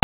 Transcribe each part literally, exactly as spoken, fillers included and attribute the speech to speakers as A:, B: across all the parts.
A: เอ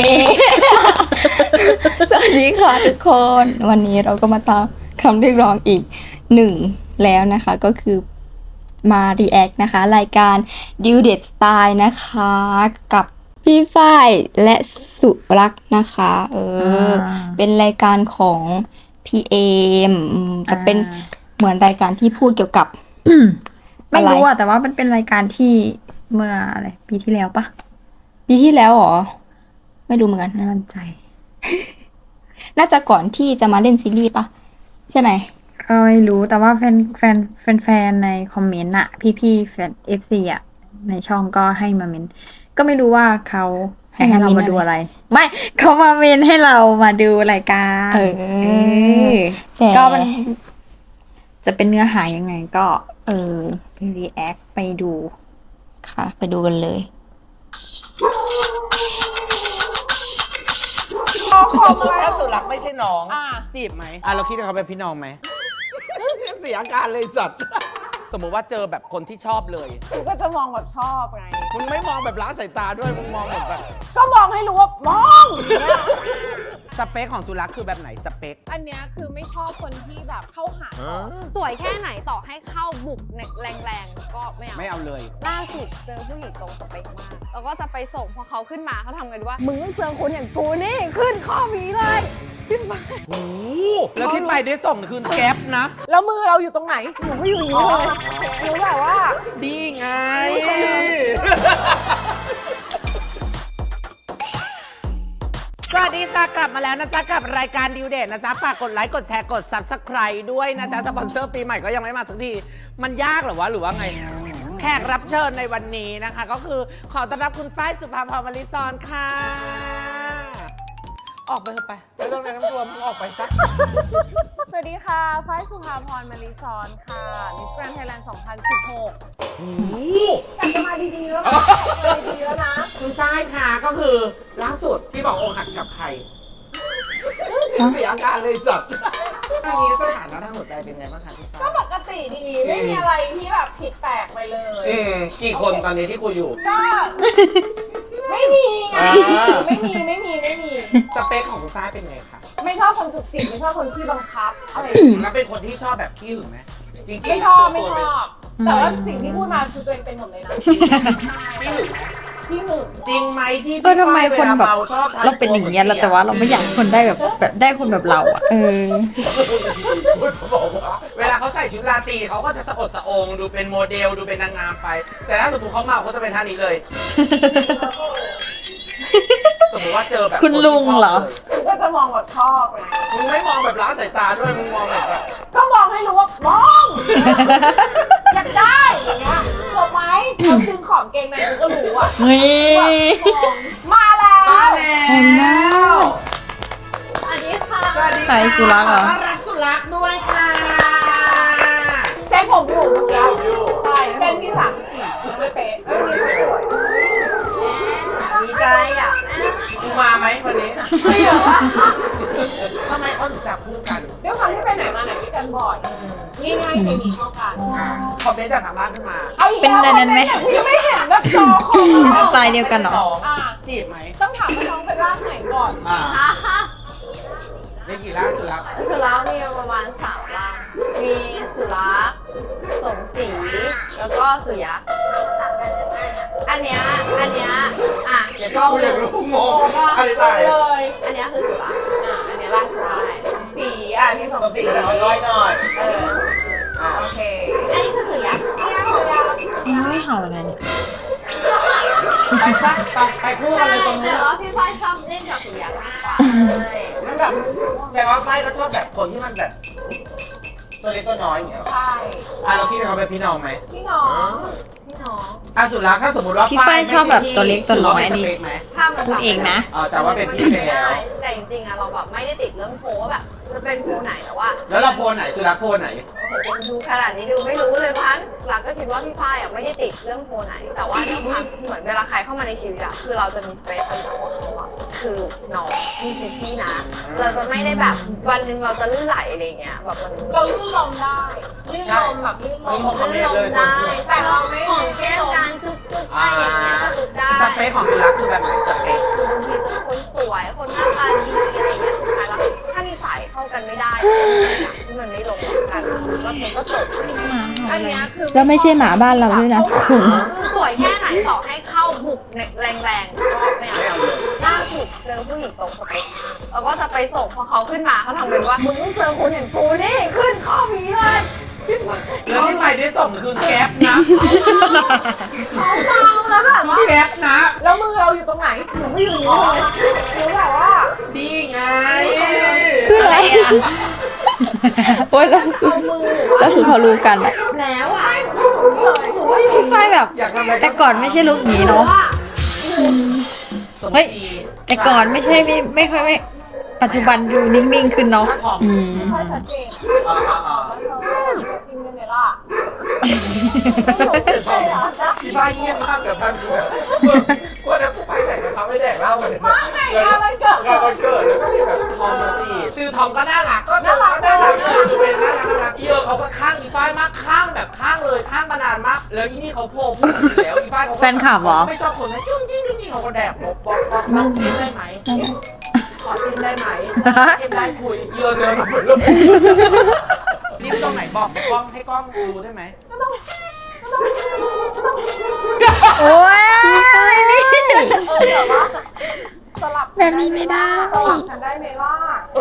A: สวัสดีค่ะทุกคนวันนี้เราก็มาตามคำเรียกร้องอีกหนึ่งแล้วนะคะก็คือมา react นะคะรายการ Duet Style นะคะกับพี่ฝ้ายและสุรักษ์นะคะเออเป็นรายการของพี่เอมจะเป็นเหมือนรายการที่พูดเกี่ยวกับ
B: ไม่รู้อะแต่ว่ามันเป็นรายการที่เมื่ออะไรปีที่แล้วปะ
A: ปีที่แล้วเหรอไม่รู้เหมือนกัน
B: ไม่มั่นใจ
A: น่าจะก่อนที่จะมาเล่นซีรีส์ปะใช่ไหม
B: ก็ไม่รู้แต่ว่าแฟนแฟนแฟนแฟนในคอมเมนต์อะพี่พี่แฟนเอฟซีอะในช่องก็ให้มาเมนก็ไม่รู้ว่าเขาให้ให้เรามาดูอะไร ไม่เขามาเมนให้เรามาดูรายการ
A: เออ
B: เออ
A: แต่
B: ก็มันจะเป็นเนื้อหายังไงก็
A: เออ
B: ไปรีแอคไปดู
A: ค่ะ ไปดูกันเลย
C: สมมติถ้าสุรักษ์ไม่ใช่น้องจีบไหมอ่ะเราคิดว่าเขาเป็นพี่น้องไหม เสียอาการเลยจัด สมมติว่าเจอแบบคนที่ชอบเลย
D: กูก็จะมองแบบชอบไง
C: มึงไม่มองแบบล้าสายตาด้วยมึงมองแบบแบบ
D: ก็มองให้รู้ว่ามองอย่างเงี้ย
C: สเปคของสุรักษ์คือแบบไหนสเปค
D: อันเนี้ยคือไม่ชอบคนที่แบบเข้าหา
E: สวยแค่ไหนต่อให้เข้าบุกแรงๆก็ไม่เอา
C: ไม่เอาเลย
E: ล่าสุดเจอผู้หญิงตรงสเปคมาก แล้วก็จะไปส่งพอเขาขึ้นมาเขาทำไงดีว่า มึงต้องเจอคนอย่างกูนี่ขึ้นข้อมีเลยขึ้นมา
C: โอ้โหแล้วที่ไปได้ส่งคือแก๊ปนะ
D: แล้วมือเราอยู่ตรงไหนหนูก็อยู่อย่างนี้เลยหนูแบบว่า
C: ดีไง สวัสดีจ้ากลับมาแล้วนะจ๊ะกับรายการดิวเดทนะจ๊ะฝากกดไลค์กดแชร์กด ซับสไครบ์ ด้วยนะจ๊ะสปอนเซอร์ปีใหม่ก็ยังไม่มาสักทีมันยากเหรอวะหรือว่าไง แขกรับเชิญในวันนี้นะคะ ก็คือขอต้อนรับคุณฝ้ายสุภาพร มลิซอนค่ะ ออกไปเถอะไปไม่ต้องแนะนำตัวมึงออกไปซะ
D: สวัสดีค่ะฝ้ายสุภาพร มลิซอนค่ะมิสแกรนด์ไทยแลนด์ สองพันสิบหก
C: โอ้โห
D: อยากจะมาดีๆแล้วนะมาดีๆแล้วนะ
C: คุณฝ้ายค่ะก็คือล่าสุดที่บอกอกหักกับใครเสียอาการเลยจัดตอนนี้สถานะทางหัวใจเป็นไงบ้างคะพี่ฝ้าย
D: ก็ปกติดีไม่มีอะไรที่แบบผิดแปลกไปเลย
C: อืมกี่คนตอนนี้ที่คุยอยู่
D: ก็ไม่มีไง
C: อ่า
D: ไม่มีไม่มีไม่มี
C: สเปคของคุณฝ้ายเป็นไงคะ
D: ไม่ชอบคนจุกจิกไม่ชอบคนที่บังคับอะไรอย่างเงี้ย
C: แล้วเป็นคนที่ชอบแบบขี้หึงไหมจริงๆ
D: ไม่ชอบไม่
C: ตัว
D: ช
C: เป็น
D: อบ แต่ว่าสิ่งที่พูดมาคือตัวเองเป็นหมดเลยนะ
C: ขี้หึงไหม
D: ที่หนึ่ง
C: จริงไหมที่
B: เออทำไมคนแบบ
C: วลมชอบท
B: เราเป็นอย่างเงี้ยแล้วแต่ว่าเราไม่อยากให้คนได้แบบแบบได้คนแบบเราอะ
A: เออ
C: จะบอกว่าเวลาเขาใส่ชุดราตรีเขาก็จะสะอดสะองดูเป็นโมเดลดูเป็นนางงามไป แต่ถ้าสมมติเขาเมาเขาจะเป็นท่านี้เลย สมมติว่าเจอแบบ
B: คุณลุงเหรอ
D: กูก็จะมองแบบชอบไง
C: มึงไม่มองแบบล้าสายตาด้วยมึงมองแบบแบบ
D: ก็มองให้รู้ว่ามองอยากได้อย่างเงี้ยถูกไหมเขาดึงของเกงในกูก็รู้อ่ะ
B: เฮ้ย
D: มาแล้ว
C: มาแล้ว
A: เห็นแล้ว
E: สวัสดีค่ะ
C: สวัสดี
B: ใคร
C: ค่ะ
B: สุรักษ์เหรอ
C: ขต้อนรับสุรักษ์ด้วยค่ะ
D: เส้นผมอยู่เมื่อกี้
C: อยู่
D: ใช่เส้นที่สามสี่ยังไม่เป๊ะเอ้ยยังไม่สวย
E: ดีใจอ่ะ
C: มึงมาไหมวันนี้
D: ไม่เหรอวะ
C: ทำไมเขาถึงจับคู่กัน
D: ด้วยความที่ไปไหนมาไหนด้วยกันบ่อยนี่ง่ายๆเคมีเข้ากัน
C: คอมเมนต์จากทางบ้านขึ้นมา
D: เอาอีก
B: เป็น
D: แล้ว
B: อะไรนั้นไหม
D: พี่ไม่เห็นแบบจอคอม
B: สไตล์เดียวกันเหรอ
C: สอง
D: อ่ะ
C: จีบไหม
D: ต้องถามว่าน้องเป็นร่างไหนก่อน
C: อ่า
E: อ่ะ
C: ได้กี่ล่าสุรักษ์
E: สุรักษ์มีประมาณสามร่าง มีสุรักษ์สมศรีแล้วก็สุยักษ์อันเนี้ยอันเนี้ยอ่ะ
C: เดี๋ยว
E: ล
C: ก็
E: อง
C: กู
E: ดู
C: อยากรู้งง
E: ก็
C: อธิบาย
D: เลย
E: อันเนี้ยคือสุรักษ์
D: อ่ะอันนี้ร่างชายสีอ่ะที่สอง
C: ต้อง
D: สี
C: สีจะน้อยๆหน่อย
D: เออ
C: อ่า
D: โอเค
E: อันนี้คือสุยักษ์
B: ไม่เห่าอะไรเนี่ย
C: ไปซะไปไปคู่กันเลยตรงนี้
E: แต่ว่าพี่ฝ้ายชอบเล่นกับสุยักษ์มากกว่า
D: มันแบบ
C: แต่ว่าไพ่ก็ชอบแบบคนที่มันแบบ ตัวเล็กตัวน้อยอย่างเงี้ย
D: ใช่
C: อ่ะเราคิดว่าเขาเป็นพี่น้องไหม
D: พี่น้อง
E: พี่น้อง
C: อ่ะสุรักษ์ถ้าสมมติว่า
B: พี่ฝ้ายชอบแบบตัวเล็กตัวน้อย
C: ถืว่าเป็นส
B: นี่
C: เปคไหม
E: ถ้ามัน
B: พูดเองนะ
C: เออแต่ว่าเป็นพี่ไปแล้ว
E: แต่จริงๆอะเราแบบไม่ได้ติดเรื่องโพว่าแบบ จะเป็นโพไหนแต่ว่า
C: แล้วเราโพลไหนสุรักษ์โพลไหน
E: ดูขนาดนี้ดูไม่รู้เลยพันหลักก็คิดว่าพี่ฝ้ายอ่ะไม่ได้ติดเรื่องโพไหน แต่ว่าเรื่องความเหมือนเวลาใครเข้ามาในชีวิตอะคือเราจะมีสเปซของเราว่าเขาอะคือน้องนี่คือพี่นะ เราจะไม่ได้แบบวันหนึ่งเราจะลื่นไหลอะไรเงี้ยแบบมัน
D: เราลื่นลมได้ลื่นลมแบบลื่นลม
E: ลื่นลมได้แต่เราไม่ของแก้มการจุ๊บๆอะไรอย่างเงี้ยก็จุ๊บได้
C: สเปคของสุรักษ์คือแบบไหนสเปค
E: คือบางทีจะที่มันไม่ลงกันก็มันก็จบ
D: อันเนี้ยคือ
A: แล้วไม่ใช่หมาบ้านเราด้วยนะคุณ
E: คือสวยแค่ไหนต่อให้เข้าบุกแรงๆก็ไม่เอาล่าสุดเจอผู้หญิงตรงสเปคแล้วก็จะไปส่งพอเขาขึ้นมาเขาทำเป็นว่ามึงต้องเจอคนอย่างกูนี่ขึ้นข้อมีเลย
C: แล้วที่ไปได้ส่งคือแก๊ปนะ
D: เขาเมาแล้วแบบว่า
C: แก๊ปนะ
D: แล้วมือเราอยู่ตรงไหนหนูไม่อยู่นี่เลยหนูแบบว่า
C: ดีไง
A: คืออะไรโอ๊ยแล้ว
D: เอามือ
A: แล้วคือเขารู้กันอะ
E: แล้วอ่ะ
D: หนูก็อยู่
B: พี่ฝ้ายแบบ
C: อยากทำอะไร
B: แต่ก่อนไม่ใช่ลุคนี้เนาะ เฮ้ย แต่ก่อนไม่ใช่ไม่ไม่ค่อยไม่ปัจจุบันดูนิ่งๆขึ้นเนาะ
A: อืม
D: ไม่ค่อยชัดเจนจริงเลยล่ะไม่ใช่เหรอจ๊ะ
C: พี่ป้าเยี่ยมมากเดี๋ยวพันดูแบบว่าจะไปไหนกับเขาไม่แดกเหล้ากันเลย
D: งานวันเกิด
C: งานวันเกิดแล้วก็มีแบบทอมมาจีบคือทอมก็น่ารักก็น่ารักน่ารักเลยดูเป็นน่ารักน่ารักเยอะเขาก็ข้างอีฟ้ายมากข้างแบบข้างเลยข้างมานานมากแล้วที่นี่เขาโผล่พูดอยู่แล้วอีฟ้ายเขา
B: แฟนคลับเหรอ
C: ไม่ชอบคนนะจุ้งจิ้งจุ้งจิ้งเขาก็แดกบอกบอกบอกบอกจิ้มได้ไหมขอจิ้มได้ไหมจิ้มได้คุยเยอะเลยหมดเลยนี่ตรงไหนบอกกล้องให้กล้องดูได้ไหม
B: โอ้ยอะไรนี่
D: เออแบบว่าสลับ
A: แบบนี้ไม่ได้
D: สลับกันได้ไหมล่ะ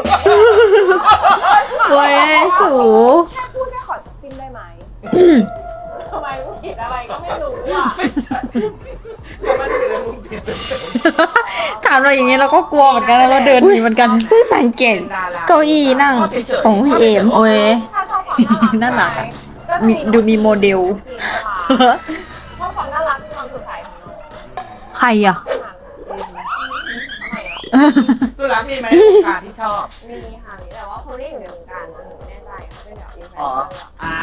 B: โอ้ยสู
D: แค่พูดแค่ขอจิ้มได้ไหมทำไมกูผิดอะไรก็ไม่รู้อ่ะ
C: ไม่ใช่เขาไม่ได้เป็นมุมผิด
B: ถามเราอย่างนี้เราก็กลัวเหมือนกันนะเราเดินหนีเหมือนกัน
A: เพิ่งสังเกตเก้าอี้นั่งของพี่เอม
B: โอ้ย
D: ถ้าชอบความน่ารัก
B: น่ารักอะ มีดูมีโมเดล
D: ชอบความน่ารักในความสดใสของน้อง
B: ใครอ่ะ
C: สุดแล้วมีไหมวงการที่ชอบ
E: มีค่ะมีแต่ว่าคนที่อยู่ในวงการหนูไม่แน่ใจค่ะเป็นแบบอินฟลู
C: อ๋อ
E: เอนเซอร์อะ
C: อ่า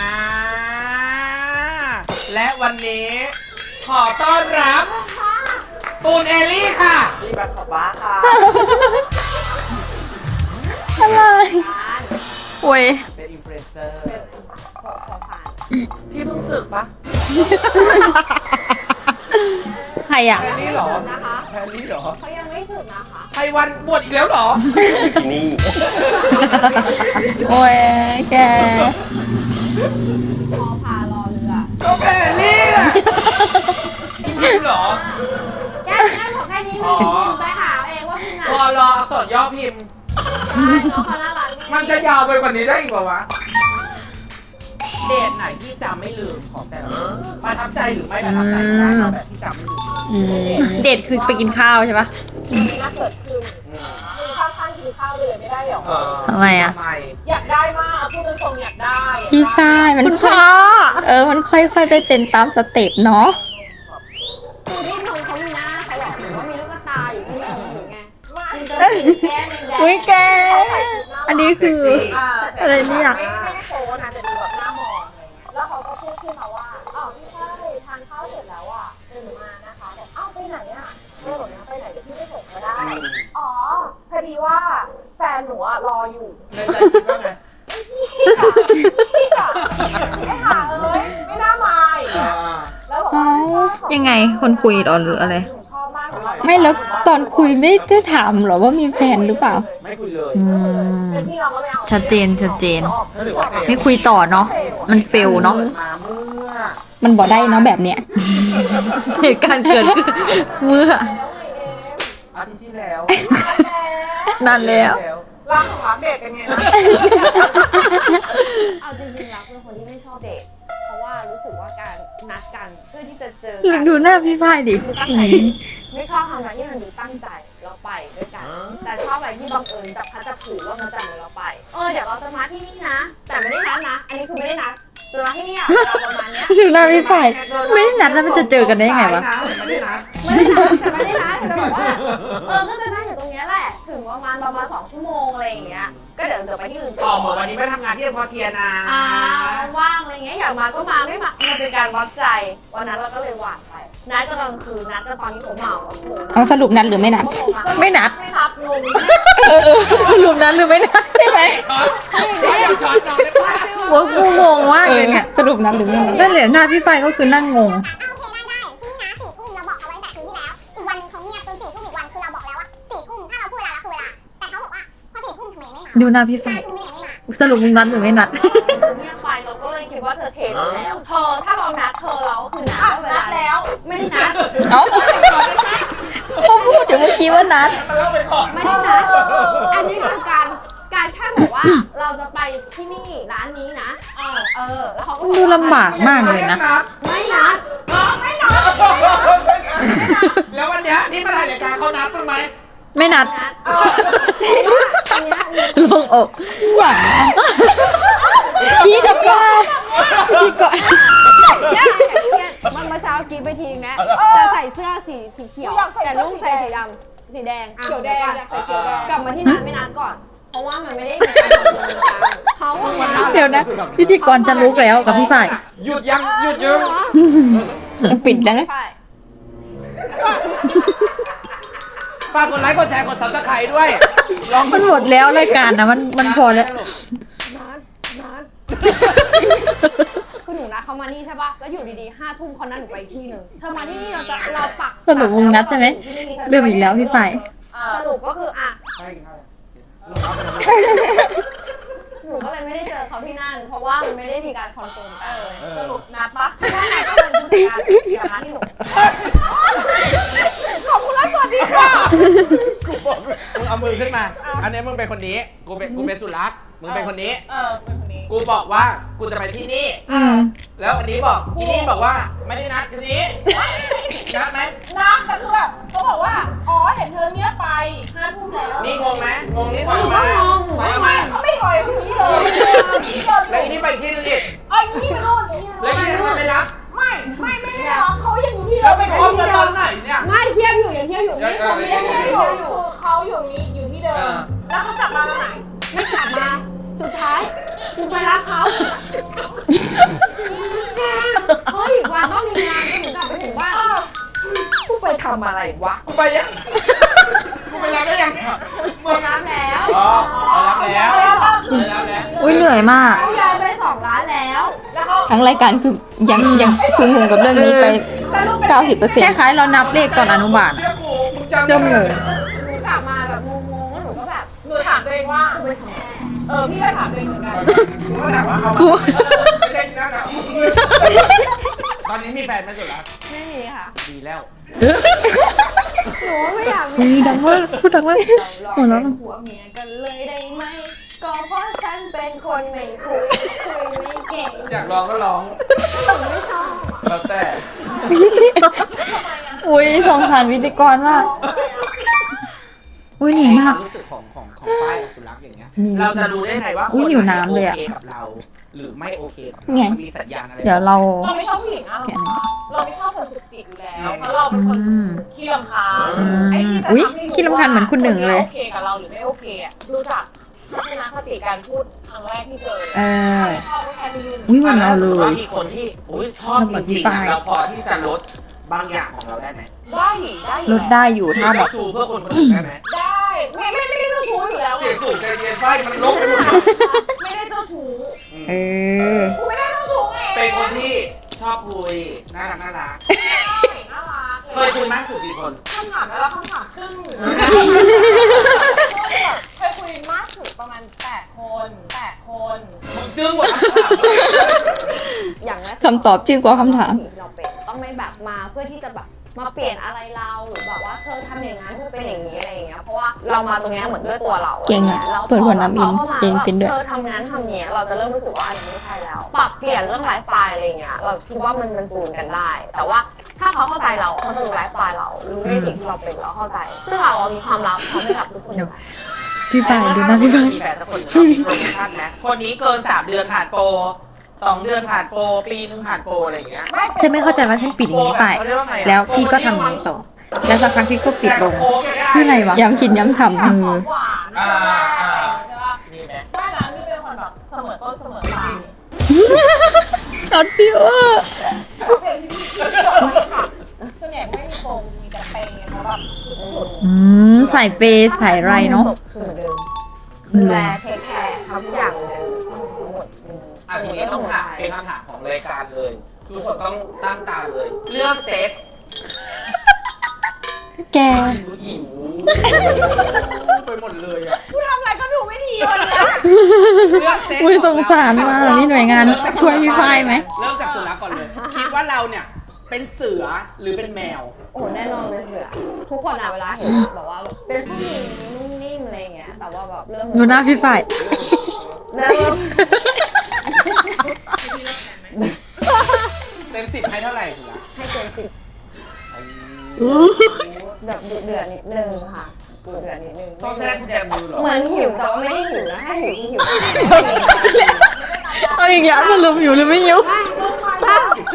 C: และวันนี้ ขอต้อนรับตูนเอลลี่ค่ะรีบัตขอบบ้าค่ะ
A: อะไร
B: โอ้ย
C: เป็นอินฟลูเอนเซอร์
E: ขอขอผ่าน
C: ที่เพิ่งสึกปะ
B: ใครอ่ะ
C: แพรรี่เหรอ
E: นะคะ
C: แพรรี่เหรอ
E: เขายังไม่สึกนะคะ
C: ไพวันบวชอีกแล้วเหรอ
A: โอ้ยแก
E: พอพารอเรือ
C: ก็แพรรี่แหละจริงเหรอ
E: แก้แก้บอกแค่นี้
C: อ๋อ
E: ไปหาเองว่าพี่ไหน
C: พอรออักษรย่อพิมพ์
E: ใช่น้องเขาน่ารักดี
C: มันจะยาวไปกว่านี้ได้อีกเปล่าวะ เดทไหนที่จำไม่ลืมของแต่ละคนประทับใจหรือไม่ประทับใจนะเอาแบบที่จำไม่ลืม
A: อืม
B: เดทคือไปกินข้าวใช่ปะ
D: น่าเกิดขึ้นคือข้าวข้างกินข้าวเลยไม่ได้หรอ
B: ทำไมอะ
C: ทำไม
D: อยากได้มากพูดตรงๆอยากได้
A: พี่ฝ้ายมัน
B: คุณ
A: ค่
B: พ่
A: อ
B: อ
A: ยเออ มันค่อยๆไปเป็นตามสเต็ปเนาะ
E: ดูที่นมเขามีหน้าเขาหรอหรือว่ามีลูกตาอยู่ที่นมหรือไงมันจะสีแก้มแดง
B: อุ้ยแก อันนี้คือ
D: อ่า
B: อะไรเนี่ย
D: ไม่ไม่ได้โค้นะแต่ดูแบบหน้ามองอะไรเงี้ยแล้วเขาก็พูดขึ้นมาว่าอ้าวพี่ฝ้ายทานข้าวเสร็จแล้วอ่ะเดินมานะคะบอกอ้าวไปไหนอ่ะเออบอกนะไปไหนเดี๋ยวพี่ไปส่งก็ได้อ๋อพอดีว่าแฟนหนูอ่ะรออยู่
C: ในใจคิดว่าไง
D: พี่อ่ะไม่หาเอ้ยไม่น่ามาอีก
C: อ่า
D: อะแล้วบอกว่า
B: ยังไงคนคุยเหรอหรืออะไร
D: หนูชอบมากเลย
A: ไม่แล้วตอนคุยไม่ได้ถามหรอว่ามีแฟนหรือเปล่า
C: ไม่คุยเลย
B: อืม
D: เป็นพี่เราก็ไม่เอา
B: ชัดเจนชัดเจน
C: ถ้าถือว่าเฟล
B: ไม่คุยต่อเนาะ มันเฟลเนาะ
C: ปิดมาเมื่อ
A: มันบอกได้เนาะแบบเนี้ย
B: เหตุการณ์เกิดขึ้นเมื่อ
C: อาทิตย์ที่แล้ว
B: นานแล้ว
D: ร่างของรักเด็กกันไงนะ
E: เอาจริงๆแล้วเป็นคนที่ไม่ชอบเดทเพราะว่ารู้สึกว่าการนัดกันเพื่อที่จะเจอกั
B: ดูหน้าพี่พายดิ
E: ดูตั้งใจไม่ชอบทำอะไรที่มันดูตั้งใจเราไปด้วยกัน แต่ชอบอะไรที่บังเอิญจับพัดจับผูว่ามันจะเหมือนเราไปเออเดี๋ยวเราจะมาที่นี่นะ แต่ไม่ได้นัดนะ อันนี้คือไม่ได้นัดจะมาที่นี่อะเวลาประมาณเนี้ย
B: ดูหน้าพี่พาย ไม่ได้นัดแล้วมันจะเจอกันได้ยังไงวะ
C: ไม่ได้นัด
E: ไม่ได้นัดแต่ไม่ได้นัดแต่แบบว่าเออก็จะนั่งอยู่ตรงเนี้ยแหละถึงประมาณประมาณสองชั่วโมงอะไรอย่างเงี้ยก็เดี๋ยวเดี๋ยวไปที่อื่น
C: อ๋อเหมือนวันนี้ไม่ทำงานที่พอเทียนะ
E: อ่าว่างอะไรเงี้ยอยากมาก็มาไม่มามันเป็นการวัดใจวันนั้นเราก็เลยหวานไปนัดก็ตอนคืนนัดก็ตอนที่ผมเมาแล้วโทรมา
A: เอาสรุปนัดหรือไม่นัด
E: โทรมา
B: ไม่นัด
D: ไม่นับงง
B: หลุมนั้นหรือไม่นัดใช่ไหม
C: ช็อตไม่อยากช็อตน้องได้ปะ
B: ว่ากูงงมาก
A: เอ
B: เล
A: อย
B: เนี่ย
A: สรุปนัดหรือไม่นัด
B: นั่นแหละหน้าพี่พายก็คือนั่งงง
F: โอเคได้ได้ที่นี่นะสี่ทุ่มเราบอกเอาไว้แต่คืนที่แล้ว อีกวันหนึงเขาเงียบจนสี่ทุ่มอีกวันคือเราบอกแล้วว่าสี่ทุ่มถ้าเราพูดเวลาเราคือเวลา แต่เขาบอกว่าพอสี่ทุ่มทำไมไม่มา
B: ดูหน้าพี่พา
F: ห้าย ทุ่มนี่ยังไม่
B: สรุปมึงนัดหรือไม่นัด
E: เงียบไปเราก็เลยคิดว่าเธอเทเราแล้วเธอถ้าเรานัดเธอเราก็คือนัดว่าเวลาแล้ว ไม่ได้นัด
A: เอ้าเขาพูดเดี๋ยวเมื่อกี้ว่านัด
E: ไม่ได้นัดอันนี้คือการการแค่บอกว่าเราจะไปที่นี่ร้านนี้นะเออแล้วเขาก็
B: ดูลำบากมากเลยนะ
E: ไม่นัดไม่นัด
C: แล้ววันเนี้ยนี่มาถ่ายรายการเขานับมั้ยไหม
B: ไม่นัด
E: นัดเพราะว่าอันเนี้ยมี
B: ลงอก
A: อย่างนั้นพี่กับว่า
B: พี่ก็
E: มันมาเช้ากินไปทีนะจะใส่เสื้อสีสีเขียว แต่ลุงใส่สีดำสีแดง
D: เขียวแดงอยากใส่เขียวแดง
E: กลับมาที่นัดไม่นัดก่อน เพราะว่ามันไม่ได้มีการตกลงกันเขาอะมา
B: เดี๋ยวนะ พิธีกรจะลุกแล้วกับพี่ฝ่าย
C: หยุดยังหยุดยัง
A: ปิดแล้วนะ
E: ใช่
C: ฝากกดไลค์กดแชร์กด ซับสไครบ์ ด้วยลอง
B: มันหมดแล้วรายการนะมันมันพอแล้ว
E: นัดนัดคือหนูนัดเขามานี่ใช่ป่ะ แล้วอยู่ดีๆห้าทุ่มเขานัดหนูไปอีกที่หนึ่งเธอมาที่นี่เราจะเราปัก
B: สรุปมึงนัดใช่ไหมเริ่มอีกแล้วพี่ฝ่าย
E: สรุปก็คืออ่ะ หนูก็เลยไม่ได้เจอเขาที่นั่น เพราะว่ามันไม่ได้มีการคอนเฟิร์มกันเลย
D: สรุปนัดปะ
E: ใช่ก็เป็นผู้จัดการเดี๋ยวมาที่หนู
D: ขอบคุณและสวัสดีค่ะ
C: มึงเอามือขึ้นมา อันนี้มึงเป็นคนนี้ กูเป็นกูเป็นสุรักษ์มึงเป็นคนนี้
D: เออเป็นคนนี้
C: กูบอกว่ากูจะไปที่นี่
B: อืม
C: แล้วอันนี้บอกอีนี่บอกว่าไม่ได้นัดทีนี้นัดไหม
D: นัดแต่คือแบบเขาบอกว่า อ๋อ เห็นเธอเนี้ยไปห้าทุ่มแล้ว
C: นี่งงไหมงงนี่ถอยมา ถอย
D: ไม่
C: มา
D: เขาไม่ถอยคนนี้เลย
C: แล้วอีนี่ไปอีกที่นึงอีก
D: ไอ้นี่โน่นนี่
C: แล้วอีนี่ทำไมไม่รับ
D: ไม่ไม่ไม่ได้หรอกเขายังอยู่ที่
C: แล้วไปคบกันตอนไหนเนี่ย
E: ไม่เทียบอยู่อย่างเทียบอยู่ไม่เขาไม่ได้เทียบอยู่
D: คือเขาอยู่นี้อยู่ที่เดิม แล้วเขากลับมาตอนไหน
E: ไม่กลับมา สุดท้ายกูไปรับเขา เฮ้ยวันต้องมีงานก็ถึงกลับไปถึงบ้านกูไปทำอะไรวะ
C: กูไปยัง กูไปรับได้ยัง
E: ไปรับแล้ว
C: อ๋อรับแล้วรับแล้ว
B: อุ้ยเหนื่อยมาก
E: เขาย้ายไปสองร้านแล้ว
D: แล้วเขา
A: ทั้งรายการคือยังยังคืองงกับเรื่องนี้ไป เก้าสิบเปอร์เซ็น
B: แค่
A: ต์
B: คล้ายๆเรานับเลขตอนอนุบาล
C: เชื่อกูมึงจำ
B: เริ่มงง
E: หนูกลับมาแบบงงๆแล้วหนูก็แบบ
D: หนูถามตัวเองว่า
E: กูไปทำอะไร
D: เออ พี่ก็ถามตัวเองเหมือนกัน
C: กูก็ถามว่าเอา
B: กู
C: ไม่ใช่นั่นนะตอนนี้มีแฟนไหมสุดละ
E: ไม่มีค่ะ
C: ดีแล้ว
E: หนูไม่อยาก
B: อุ้ยดังมากพูดดังมากหัวเราะ
E: เป็นผัวเมียกันเลยได้ไหม ก็เพราะฉันเป็นคนไม่คุยคุยไม่เก่ง
C: อยากร้องก็ร้อง
E: หนูไม่ชอบ
C: แล้วแต่
B: อุ้ยสงสารพิธีกรมาก อุ้ยเหนื่อยมาก
C: รู้สึกของของของป้ายกับสุรักษ์อย่างเงี้ย
B: มี
C: เราจะรู้ได้ไงว่า
B: อุ๊ย
C: ค
B: หิวน้ำเลยอะ
C: โอเคกับเรา หรือไม่โอเคกับ
A: ไง
C: เรามีสัญญาณอะไร
B: เดี๋ยวเรา
D: เราไม่ชอบผู้หญิงอะ
B: แกะหน่อย
D: เราไม่ชอบคนจุกจิกอยู่แล้ว เพราะเราเป็นคน
B: อืม
D: ขี้รำคาญ
B: อืม
D: ไอ้ที่จะ
B: อุ๊ย
D: ทำให้รู้
B: ขี้รำคาญเหมือนคุณหนึ่งเลย
D: ว่าคนนี้โอเคกับเราหรือไม่โอเคอะรู้จักทัศนคติการพูดครั้งแรกที่เจอ
B: เออ
D: ไม่ชอบก็แค่ไม่ยุ่ง
B: อุ้ยเหมือนเราเล
C: ว่าย มีคนที่อุ๊ยชอบจริงๆ
B: เรา
C: อะ
B: มี
C: เราพอที่จะลดบางอย่างของเราได้ไหม
D: ได้อยู่ได้อยู่
B: ลดได้อยู่ถ้าแบบ
C: ชูเพื่อคนคนอื่นได้ไหม
D: ได้ไม่ไม่ไม่ได้เจ้าชู้อยู่แล้ว
C: เสียงสูงใจเย็นไฟมันลบไปหมด
D: ไม่ได้เจ้าชู้
B: เออ
D: กูไม่ได้เจ้าชู้ไง
C: เป็นคนที่ชอบคุยน่ารักน่ารัก
D: น่ารัก
C: เคยคุยมากสุดกี่คน
D: คำถามแล้วคำถามครึ่งเคยคุยมากสุดประมาณแปดคนแปดคน
C: มึงจึ้งกว่าคำถาม
E: อย่างแรก
A: คำตอบจริงกว่าคำถาม
E: เราเป็นต้องไม่แบบมาเพื่อที่จะแบบมาเปลี่ยนอะไรเราหรือแบบว่าเธอทำอย่างนั้นเธอเป็นอย่างนี้อะไรอย่างเงี้ยเพราะว่าเรามาตรงเนี้ยเหมือนด้วยตัวเรา
A: เก่งอะ
E: แล้ว
A: เปิดหัวน้ำอิน
E: พข้ามา
A: เองเป็นด้วย
E: เธอทำงานทำเนี้ยเราจะเริ่มรู้สึกว่าอันนี้ไม่ใช่แล้ว ปรับเปลี่ยนเรื่องไลฟ์สไตล์อะไรอย่างเงี้ยเราคิดว่ามันมันจูนกันได้ แต่ว่าถ้าเขาเข้าใจเราเขาจะรู้ไลฟ์สไตล์เรารู้ในสิ่งที่เราเป็นเราเข้าใจซึ่งเราอะมีความลับเขาไม่กับทุกคนอยู่แล้ว
B: พี่ฝ่ายดูนะพี่ฝ่าย
C: มีแฟนสักคนหนึ่งเรามีโปรโมชั่นไหมคนนี้เกินสามเดือนผ่านโปรสองเดือนผ่านโปรปีนึงผ่านโปรอะไรอย่างเงี้ย
B: ฉันไม่เข้าใจว่าฉันปิดอย่างนี้ไป แล้วพี่ก็ทำอย่างนี้ต่อ แล้วสักพักพี่ก็ปิดลงคืออะไรวะ
A: ย้ำคิดย้ำทำ
B: เออ
D: หวาน
C: อ่า
D: ใช่
C: อ่า
D: ปะ
C: นี่ไหม
D: ไม่นะนี่เป็นคนแบบเสมอต้นเสมอปลาย
A: ช็อตฟิวเออร์
D: เป็นที่ที่ที่ค่ะส่วนใหญ่ไม่มีโปรงมีแต่เปย์เพราะแบบสุด
B: อืมใส่เปย์ใส่ไรเนาะ
E: คือเหมือนเดิมดูแลเทคแคร์ทำทุกอย่างเหมือนเดิมทั้งหมดอืม
C: อันนี้ต้องถามเป็นคำถามของรายการเลย ทุกคนต้องตั้งตาเลย เรื่องเซ็กส์
A: แก
C: หิวไปหมดเลยอ่ะ
D: กูทำอะไรก็ดูไม่ดีวันเนี้ย
B: อุ้ยสงสารมากมีหน่วยงานช่วยพี่ฝ้ายไหม
C: เริ่มจากเสือก่อนเลย คิดว่าเราเนี่ยเป็นเสือหรือเป็นแมว
E: โอ้แน่นอนเป็นเสือทุกคนอะเวลาเห็นอะแบบว่าเป็นผู้หญิงนุ่มนิ่มอะไรอย่างเงี้ยแต่ว่าแบบเริ่ม
B: ดูหน้าพี่ฝ้าย
E: เริ่ม
C: เต็มสิบให้เท่าไหร่เสือ
E: ให้เกินสิบแบบดุเดือดนิดนึงค่ะดุเดือดนิดนึง
C: โซ่แสดงกุญแจมือเหรอ
E: เหมือนหิวแต่ว่าไม่ได้หิวนะถ้าหิวคือหิว
B: เอาอีกแล้วสรุปอยู่หรือไม่อยู่
E: บ้า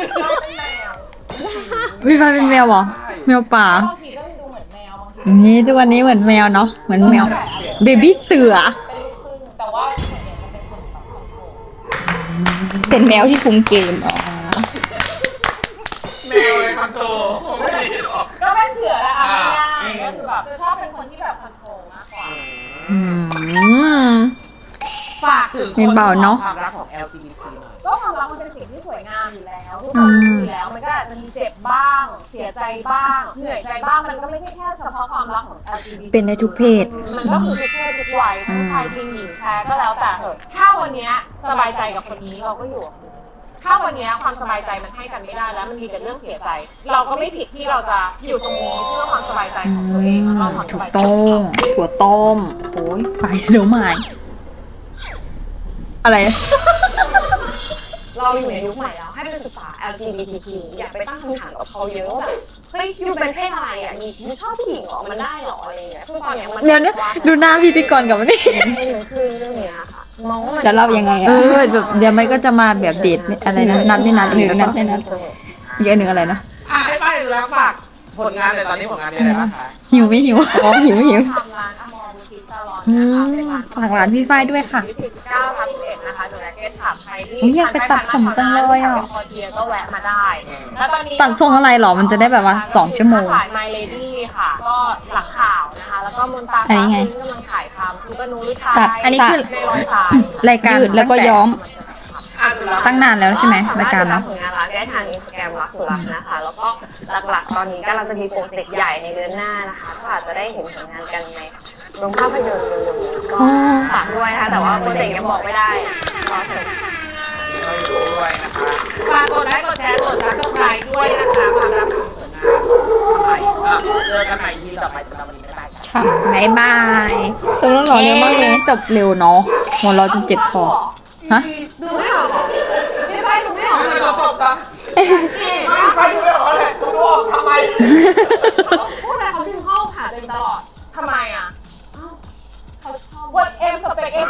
B: พี่ฝ้ายเป็นแมวเหรอแมวป่า
D: บางทีก็ดูเหมือนแมวบางที
B: อย่างนี้ทุกวันนี้เหมือนแมวเนาะเหมือนแมวเบบี้เสือ
D: เป็นลูกครึ่งแต่ว่าส่วนใหญ่มันเป็นคนแบบคอนโทรล
A: เป็นแมวที่คุมเกมอ๋อ
C: แมวเลยคอนโทรไม่ได้หรอก
D: ก็เป็นเสือแหละเอาง่ายๆก็คือแบบจะชอบเป็นคนที่แบบคอนโทรลมากกว่า
B: อืม
C: ฝากถึง
B: เพลงเบาเนอะ
C: ความรักของ แอล จี บี ที หน่อย
D: ก็ความรักมันเป็นสิ่งที่สวยงามอยู่แล้วทุกคนรู้อยู่แล้วมันก็อาจจะมีเจ็บบ้าง เสียใจบ้างเหนื่อยใจบ้างมันก็ไม่ใช่แค่เฉพาะความรักของ แอล จี บี ที
B: เป็นได้ทุกเพศ
D: มันก็คือทุกเพศทุกวัยทั้งชายจริงหญิงแท้ก็แล้วแต่เถอะถ้าวันเนี้ยสบายใจกับคนนี้เราก็อยู่กับคนนี้ถ้าวันเนี้ยความสบายใจมันให้กันไม่ได้แล้วมันมีแต่เรื่องเสียใจ เราก็ไม่ผิดที่เราจะอยู่ตรงนี้เพื่อความสบายใจของตัวเองแล้วเราทำส
B: ถูก
D: บายใจ
B: ต้องถั่วต้มโอ้ยไฟเดี๋ยวหมายอะไร
E: เราอยู่ในยุคใหม่แล้วให้ไปศึกษา แอล จี บี ที คิว อย่าไปตั้งคำถามกับเขาเยอะว่าแบบเฮ้ยยูเป็นเพศอะไรอ่ะมียูชอบผู้หญิงเหรอมันได้เหรออะไรอย่างเงี้ยคือตอนเนี้ยมัน
B: เดี๋ยวนี้ดูหน้าพิธีกรกับมันนี่
E: ให้มันขึ้นเรื่องเนี้ยค่ะมองว่ามัน
A: จะเล่ายังไง
B: เอ
A: อะ
B: อแบบเดี๋ยวไม่ก็จะมาแบบเดทอะไรนะนัดไม่นัด
A: หนึ่งนัดไม่นัด
B: อีกอันหนึ่งอะไรนะ
C: อ่ะให้ป้ายดูแล้วฝากผลงานเลยตอนนี้ผลงานมีอะไรบ้างคะ
B: หิวไม่หิว
A: อ๋อหิวหิว
D: ทำร้านอมรบูติกซาลอน
B: อื
D: นะคะ
B: ม
D: เป็นร้าน
B: ฝากร้านพี่ฝ้ายด้วยค่ะ
D: สิบเก้าทับสิบเอ็ดนะคะดูแลเกสถามใครที่
B: อุ๊ยอยากไปตัดผมจังเลยอ่ะ
D: คอเทียก็แวะมาได้แล้วตอนนี้
B: ตัดทรงอะไรหรอมันจะได้แบบว่าสองชั่วโมง
D: ขาย My Lady ค่ะ ก็หลักข่าวนะคะ แล้วก็มนตรา
A: อันนี้ไง
D: ฟ้าซึ่งกำลังถ่ายทำคือก็นูริทา
A: ตัด
B: อันนี้คือ
D: ในรอยสาย
B: รายการ
A: ยืดแล้วก็ย้อม
C: อ่ะดูแล้ว
B: ตั้งนานแล้วใช่ไหมรายการ
E: เนาะ
B: เนาะ
E: ผลงานรักได้ทางอินสตาแกรมรักสุรักนะคะ แล้วก็หลักๆ ตอนนี้กำลังจะมีโปรเจกต์ใหญ่ในเดือนหน้านะคะก็อาจจะได้เห็นผลงานกันในโรงภาพยนตร์เร็วๆนี้ก็ฝากด้วยนะคะแต่ว่าโปรเจกต์ยังบอกไม่ได้รอชม
C: ด้วยนะคะฝากกดไลค์กดแชร์กด ซับสไครบ์ ด้วยนะคะความรักของเสือนาใหม่อ่ะเจอกันใหม่ทีต่อไปสำหรับวันนี้บ๊ายบายค่ะ
B: บายบาย
A: ตรงนั้นหรอเร็วมากเลย
B: จบเร็วเนาะหัวเราะจนเจ็บคอฮะ
E: ดูไม่ออกเหรอไม่ใช่ดูไม่ออก
C: ไม่
E: เหร
C: ต้
E: อ
C: องจบจ้ะไม่ไปดูไม่ออกเลยดูออกทำไม
E: เขาพูดอะไรเขาดึงเข้าหาตัวเองตลอด
D: ทำไมอ่ะ
E: เขาชอบ
D: วันเอ็มสเปกเอ็ม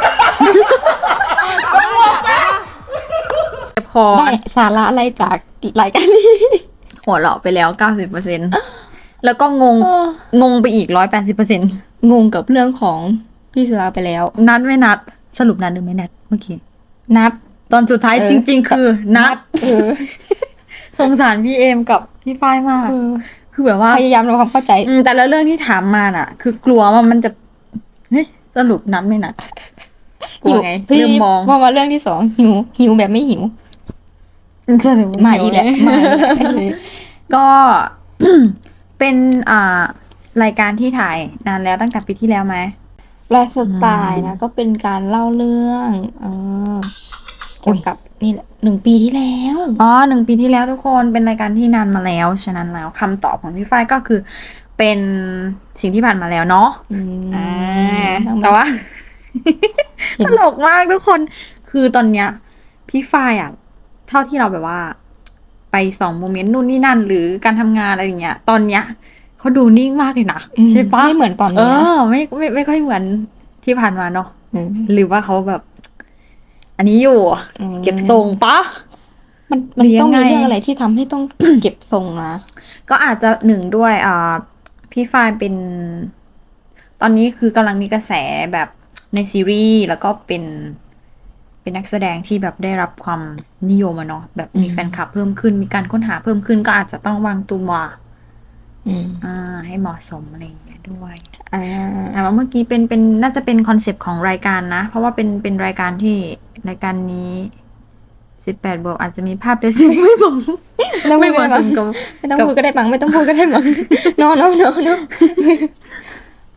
B: เจ็บคอ
A: ได้สาระอะไรจากรายการนี้
B: หัวเราะไปแล้ว เก้าสิบเปอร์เซ็นต์ แล้วก็งง
A: เออง
B: งไปอีก ร้อยแปดสิบเปอร์เซ็นต์
A: งงกับเรื่องของพี่สุราไปแล้ว
B: นัดไม่นัด สรุปนัดหรือไม่นัดเมื่อกี้
A: นัด
B: ตอนสุดท้าย
A: เออ
B: จริง ๆ คือนัด
A: เออ
B: สงสารพี่เอมกับพี่ฝ้ายมาก
A: เออ
B: คือแบบว่า
A: พยายามทำความเข้าใจ
B: อืมแต่ละเรื่องที่ถามมาน่ะ คือกลัวว่ามันจะ เฮ้ย สรุปนัดไม่นัด กลัวไง
A: พี่
B: เริ่มมอง
A: พอมาเรื่องที่สองหิวหิวแบบไม่หิว
B: สรุป
A: มาอีกแล้วมาอีกแล้ว
B: ก็ เป็นอ่ารายการที่ถ่ายนานแล้วตั้งแต่ปีที่แล้วไหม
A: ไลฟ์สไตล์นะก็เป็นการเล่าเรื่องเออเกี่ยวกับนี่แหละหนึ่งปีที่แล้ว
B: อ๋อหนึ่งปีที่แล้วทุกคนเป็นรายการที่นานมาแล้ว ฉะนั้นแล้วคำตอบของพี่ฝ้ายก็คือ เป็นสิ่งที่ผ่านมาแล้วเนาะ
A: อืม
B: อ่า
A: ต้อง
B: แต่ว่า
A: เห็น
B: ตลกมากทุกคน คือตอนเนี้ย พี่ฝ้ายอ่ะ เท่าที่เราแบบว่า ไปส่องโมเมนต์นู่นนี่นั่น หรือการทำงานอะไรอย่างเงี้ย ตอนเนี้ยเขาดูนิ่งมากเลยนะ
A: อืม
B: ใช่ปะ
A: ไม่เหมือนตอน
B: เอ
A: นี้นะ
B: อไม่ไม่ไม่ค่อยเหมือนที่ผ่านมาเนาะ
A: ม
B: หรือว่าเขาแบบ อันนี้อยู่
A: อืม
B: เก็บทรงปะ
A: มันมัน
B: หรือยั
A: ต้อง
B: งไง
A: มีเรื่องอะไรที่ทำให้ต้อง เก็บทรงนะ
B: ก็อาจจะหนึ่งด้วยอ่าพี่ฝ้ายเป็น ตอนนี้คือกำลังมีกระแสแบบในซีรีส์แล้วก็เป็น เป็นนักแสดงที่แบบได้รับความนิยมอะเนาะแบบมี
A: อืม
B: แฟนคลับเพิ่มขึ้น มีการค้นหาเพิ่มขึ้น ก็อาจจะต้องวางตัว
A: อืม
B: อ่า ให้เหมาะสมอะไรอย่างเงี้ยด้วย
A: อ่า
B: แต่ว่าเมื่อกี้เป็นเป็นน่าจะเป็นคอนเซปต์ของรายการนะ เพราะว่าเป็นเป็นรายการที่รายการนี้สิบแปดบวกอาจจะมีภาพเดซิ่งไม่สม
A: ไม่ต้อง
B: ไม่
A: พูด
B: เห
A: ก็
B: มาะ
A: ได้
B: ส
A: มั้ง
B: มกับ
A: ไม่ต้องพูดก็ได้มั้งไม่ต้องพูดก็ได้มั้ง โนโนโนโน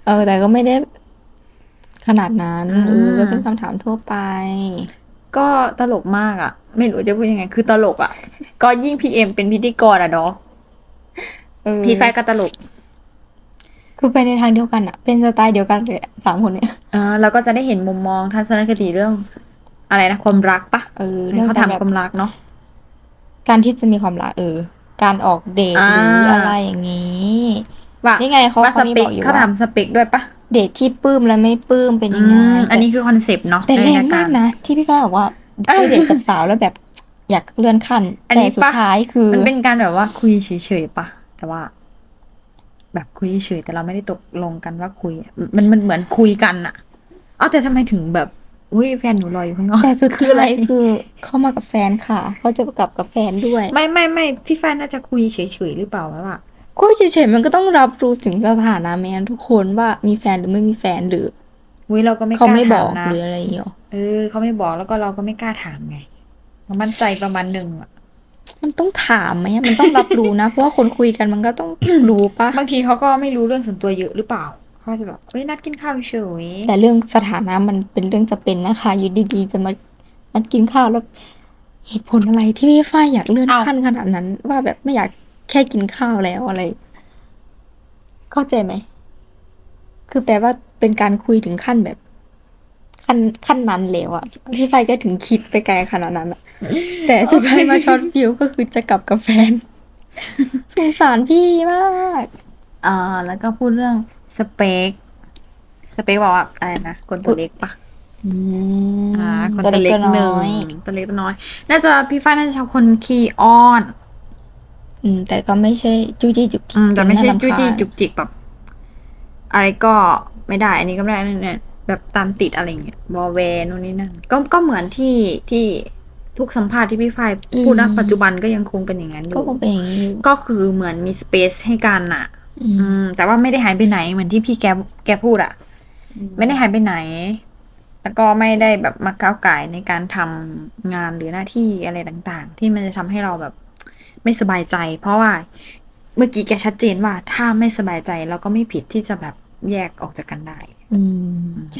A: เออ แต่ก็ไม่ได้ขนาดนั้น
B: อ่า
A: เออก็เป็นคำถามทั่วไป
B: ก็ตลกมากอ่ะ ไม่รู้จะพูดยังไง คือตลกอ่ะ ก็ยิ่งพีเอ็มเป็นพิธีกรอ่ะเนาะ
A: เออ
B: พี่ไฟก็ตลก
A: คือไปในทางเดียวกันอะเป็นสไตล์เดียวกันเลยอะสามคนเนี่ย
B: อ่าเราก็จะได้เห็นมุมมองทัศนคติเรื่อง อะไรนะความรักปะ
A: เออ
B: เรื่องเขา
A: ก
B: ถาม
A: แบบ
B: ความรักเนาะ
A: การที่จะมีความรักเออ การออกเดท
B: อ่า
A: หรืออะไรอย่างนี้
B: ว่า
A: นี่ไงเขา
B: ว่าส
A: เขามี
B: เป
A: บ
B: ค
A: อกอยู่
B: เขา
A: ว่า
B: ถามสเปคด้วยปะ
A: เดทที่ปลื้มและไม่ปลื้มเป็น
B: อื
A: ยังไง
B: มอันนี้คือคอนเซปต์เนาะ
A: แต่แรง
B: ในย
A: มากนะ ที่พี่ป้าบอกว่า
B: เออ
A: ไปเดทกับสาวแล้วแบบ อยากเลื่อนขั้น
B: อัน
A: แต่
B: นี้
A: สุด
B: ปะ
A: ท้ายคือ
B: มันเป็นการแบบว่าคุยเฉยๆปะแต่ว่า แบบคุยเฉยๆแต่เราไม่ได้ตกลงกันว่าคุยอะมันมันเหมือนคุยกันอะเอาแต่ทำไมถึงแบบอุ้ยแฟนหนูรออยู่ข้างนอก
A: แต่สุด
B: คืออะไร
A: ท้ายคือเข้ามากับแฟนค่ะ เขาจะกลับกับแฟนด้วย
B: ไม่ไม่ไม่พี่แฟนน่าจะคุยเฉยๆหรือเปล่าแล้วอะ
A: คุยเฉยๆมันก็ต้องรับรู้ถึงสถานะแมนทุกคนว่ามีแฟนหรือไม่มีแฟนหรือ
B: อุ้ยเราก็ไม่ก
A: เขา
B: ล้า
A: ไม่บ
B: ถา
A: อ
B: ม
A: ก
B: นะ
A: หรืออะไรอย่างเงี้ย
B: เออเขาไม่บอกแล้วก็เราก็ไม่กล้าถามไงเรามั่นใจประมาณหนึ่งอะ
A: มันต้องถามไหมอะมันต้องรับรู้นะ เพราะว่าคนคุยกันมันก็ต้อง รู้ปะ
B: บางทีเขาก็ไม่รู้เรื่องส่วนตัวเยอะหรือเปล่าเขาจะแบบเฮ้ยนัดกินข้าวเฉย
A: แต่เรื่องสถานะมันเป็นเรื่องจะเป็นนะคะอยู่ดีๆจะมานัดกินข้าวแล้ว เหตุผลอะไรที่พี่ฝ้ายอยากเลื่อนขั้นขนาดนั้น ว่าแบบไม่อยากแค่กินข้าวแล้วอะไร เข้าใจไหม คือแปลว่าเป็นการคุยถึงขั้นแบบ ขั้นขั้นนั้นแล้วอะพี่ฝ้ายก็ถึงคิดไปไกลขนาดนั้นอะแต่สุดท้ายมาช็อตฟิวก็คือจะกลับกับแฟน สงสารพี่มาก
B: อ่าแล้วก็พูดเรื่องสเปคสเปคบอกว่าอะไรนะคนตัวเล็กปะ
A: อืม
B: อ่าคน
A: ตัว
B: ตัว
A: เล็
B: เล็
A: ก
B: ก
A: ตัว
B: หนึ่
A: น้
B: ง
A: อย
B: ตัวเล็กตัวน้อย น่าจะพี่ฟ้าน่าจะชอบคนขี้อ้อน
A: อืม แต่ก็ไม่ใช่จู้จี้จุกจิก
B: อืมแต่ไม่ใช่
A: จนน่ารำ
B: จู้จี้
A: คาญ
B: จุกจิกแบบ อะไรก็ไม่ได้ อันนี้ก็ไม่ได้เนี่ยแบบตามติดอะไรเงี้ยบอแวร์นู่นนี่นั่นก็ก็เหมือนที่ที่ทุกสัมภาษณ์ที่พี่ฝ้ายพูดนะปัจจุบันก็ยังคงเป็นอย่างนั้นอ
A: ก็
B: ยู่
A: คงเป็นอย่างนี้อยู่
B: ก็คือเหมือนมีสเปซให้กันอ่ะ
A: อื
B: อื
A: ม
B: ม แต่ว่าไม่ได้หายไปไหนเหมือนที่พี่แกแกพูดอ่ะ ไม่ได้หายไปไหน แล้วก็ไม่ได้แบบมาก้าวไก่ายในการทำงานหรือหน้าที่อะไรต่างๆ ที่มันจะทำให้เราแบบไม่สบายใจ เพราะว่าเมื่อกี้แกชัดเจนว่าถ้าไม่สบายใจเราก็ไม่ผิดที่จะแบบแยกออกจากกันได้
A: อืม ใช่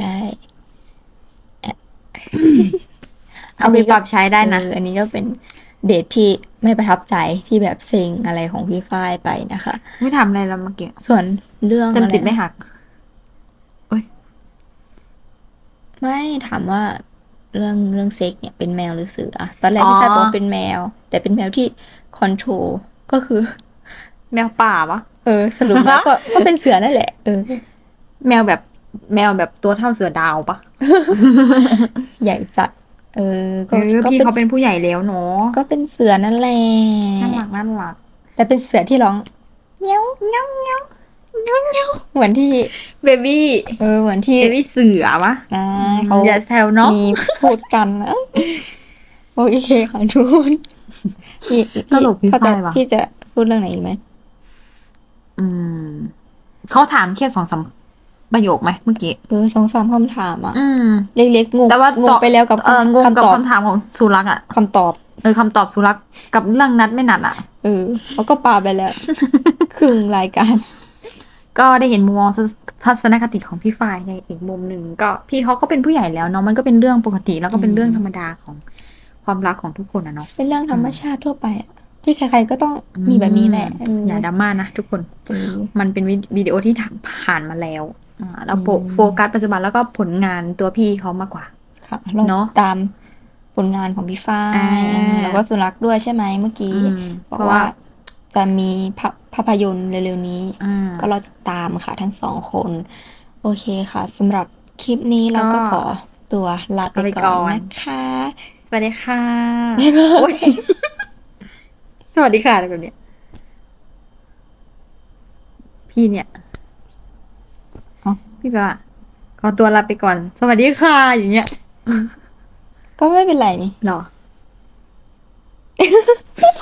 B: เอาไปปรับใช้ได้นะ
A: เอออันนี้ก็เป็นเดทที่ไม่ประทับใจที่แบบเซ็งอะไรของพี่ฝ้ายไปนะคะ
B: ไม่ทำอะไรแล้วเมื่อกี้
A: ส่วนเรื่อง
B: เต็ม
A: อะไร
B: สิบไม่
A: นะ
B: หัก
A: ไม่ถามว่าเรื่องเรื่องเซ็กเนี่ยเป็นแมวหรือเสือ ตอนแรก
B: อ๋อ
A: พี่ฝ้ายบอกว่าเป็นแมว แต่เป็นแมวที่คอนโทรลก็คือ
B: แมวป่าปะ
A: เออ สรุปแล้วก็ก็เป็นเสือนั่นแหละ เออ
B: แมวแบบแมวแบบตัวเท่าเสือดาวปะ
A: ใหญ่จัด เออ
B: เอ
A: ก็
B: อ
A: ก็
B: พี่
A: เป็น
B: เขาเป็นผู้ใหญ่แล้วเนาะ
A: ก็เป็นเสือนั่นแหละ
B: น่ารักน่ารัก
A: แต่เป็นเสือที่ร้องเงี้ยวเงี้ยวเงี้ยวเงี้ยวเงี้ยวเหมือนที่
B: เบบี้
A: เออ เหมือนที่
B: เบบี้เสือปะ
A: อ่าเขา
B: อย่าแซวเนาะ
A: มีพูดกันนะโอเคค่ะทุกคนพี่
B: ตลกพี่
A: เขาจะ
B: ฝ้ายว่ะ
A: พี่จะพูดเรื่องไหนอีกไหม
B: อืมเขาถามแค่สองสามประโยคไหมเมื่อกี้
A: เออสองสามคำถามอ่ะ
B: อืม
A: เล็กๆงง
B: แต่ว่าง
A: งไปแล้วกับ
B: เอองงกับ
A: คำตอบ
B: คำถามของสุรักษ์อ่ะ
A: คำตอบ
B: เออคำตอบสุรักษ์กับเรื่องนัดไม่นัดอ่ะ
A: เออเขาก็ปาไปแล้ว ครึ่งรายการ
B: ก็ได้เห็นมุมมองทัศนคติของพี่ฝ้ายในอีกมุมหนึ่งก็พี่เขาก็เป็นผู้ใหญ่แล้วเนาะมันก็เป็นเรื่องปกติแล้วก็เป็น
A: อืม
B: เรื่องธรรมดาของความรักของทุกคนอะเนาะ
A: เป็นเรื่องธรรมชาติทั่วไปอะที่ใครๆก็ต้องมีแบบนี้แหละเออ
B: อย่าดราม่านะทุกคน
A: เออ
B: มันเป็นวิวิดีโอที่ผ่านมาแล้วอ่าเราโฟ
A: อืม
B: โฟกัสปัจจุบันแล้วก็ผลงานตัวพี่เขามากกว่า
A: ค่ะเรา
B: เนอะ
A: ตามผลงานของพี่ฝ้าย
B: อ่า
A: เออแล้วก็สุรักษ์ด้วยใช่ไหมเมื่อกี้
B: อืม
A: บอก
B: เพราะ
A: ว่า
B: ว่า
A: จะมีภาภาพยนตร์เร็วๆนี้
B: อ่า
A: ก็รอติดตามค่ะทั้งสองคน โอเคค่ะสำหรับคลิปนี้เราก็
B: ก็
A: ขอตัวลาไป
B: ลาไปก่
A: ก่อ
B: อน น
A: นะคะ
B: สวัสดีค่ะ
A: บ๊ายบาย
B: โอ๊ยสวัสดีค่ะอะไรแบบเนี้ยพี่เนี่ย
A: อ๋อ
B: พี่แบบว่าขอตัวลาไปก่อน สวัสดีค่ะ อย่างเงี้ย
A: ก็ไม่เป็นไรนี่
B: หรอ